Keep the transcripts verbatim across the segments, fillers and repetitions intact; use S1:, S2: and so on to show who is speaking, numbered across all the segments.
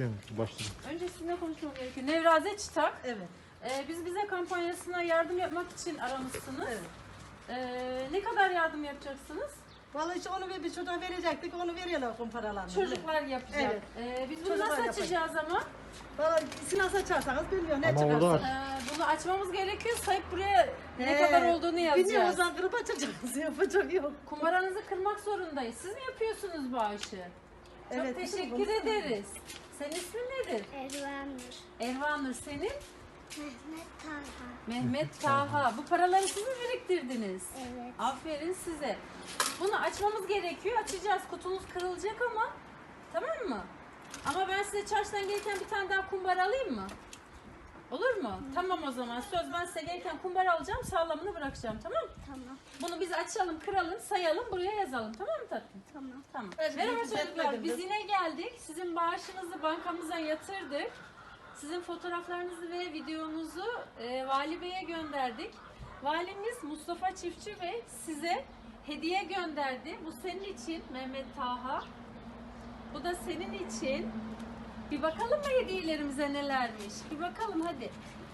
S1: Sen başladın.
S2: Önce sizinle konuşmam gerekiyor. Nevraze Çıtak.
S3: Evet.
S2: Ee, biz bize kampanyasına yardım yapmak için aramışsınız.
S3: Evet.
S2: Ee, ne kadar yardım yapacaksınız?
S3: Vallahi işte onu bir, bir çocuğa verecektik, onu veriyorlar kum paralarını.
S2: Çocuklar yapacak.
S3: Evet.
S2: Ee, biz bunu
S3: Çocuklar
S2: nasıl
S3: yapacak.
S2: açacağız ama?
S3: Vallahi silah açarsanız bilmiyorum ne
S1: Ama
S3: çıkarsa.
S1: orada
S2: Ee, bunu açmamız gerekiyor. Sayıp buraya ne
S3: He,
S2: kadar olduğunu
S3: Bilmiyorum, o
S2: yazacağız.
S3: zaman kırıp açacağız. Yapacak yok.
S2: Kumbaranızı kırmak zorundayız. Siz mi yapıyorsunuz bağışı? Çok
S3: Evet,
S2: teşekkür
S3: bunu-
S2: ederiz. Senin ismin nedir?
S4: Ervanur.
S2: Ervanur, senin?
S4: Mehmet Talha.
S2: Mehmet Taha. Bu paraları siz mi biriktirdiniz?
S4: Evet.
S2: Aferin size. Bunu açmamız gerekiyor. Açacağız. Kutumuz kırılacak ama. Tamam mı? Ama ben size çarşıdan gelirken bir tane daha kumbara alayım mı? Olur mu? Tamam o zaman. Söz, ben size gelirken kumbara alacağım. Sağlamını bırakacağım. Tamam mı?
S4: Tamam.
S2: Bunu biz açalım, kıralım, sayalım. Buraya yazalım. Tamam mı tatlım?
S4: Tamam.
S2: Tamam.
S3: Evet,
S2: Merhaba
S3: biz
S2: çocuklar.
S3: etmedim
S2: Biz
S3: biz.
S2: yine geldik. Sizin bağışınızı bankamıza yatırdık. Sizin fotoğraflarınızı ve videonuzu e, Vali Bey'e gönderdik. Valimiz Mustafa Çiftçi Bey size hediye gönderdi. Bu senin için Mehmet Taha. Bu da senin için. Bir bakalım mı hediyelerimize nelermiş? Bir bakalım hadi.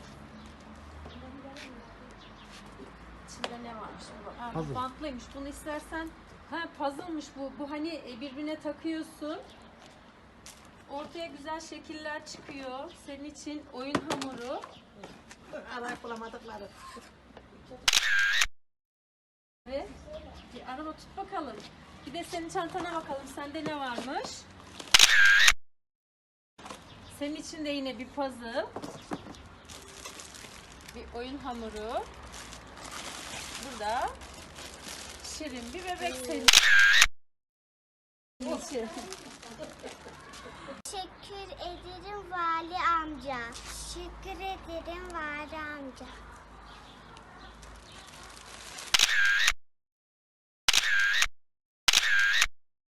S2: İçinde ne varmış? Bu, ha, bu
S1: Puzzle.
S2: bantlıymış. Bunu istersen, ha puzzle'mış bu. Bu hani e, birbirine takıyorsun. Ortaya güzel şekiller çıkıyor. Senin için oyun hamuru.
S3: Arayıp bulamadıkları.
S2: Ve bir araba tut bakalım. Bir de senin çantana bakalım. Sende ne varmış? Senin için de yine bir puzzle. Bir oyun hamuru. Burada şirin bir bebek senin için.
S4: Teşekkür ederim Vali amca. Teşekkür ederim Vali amca.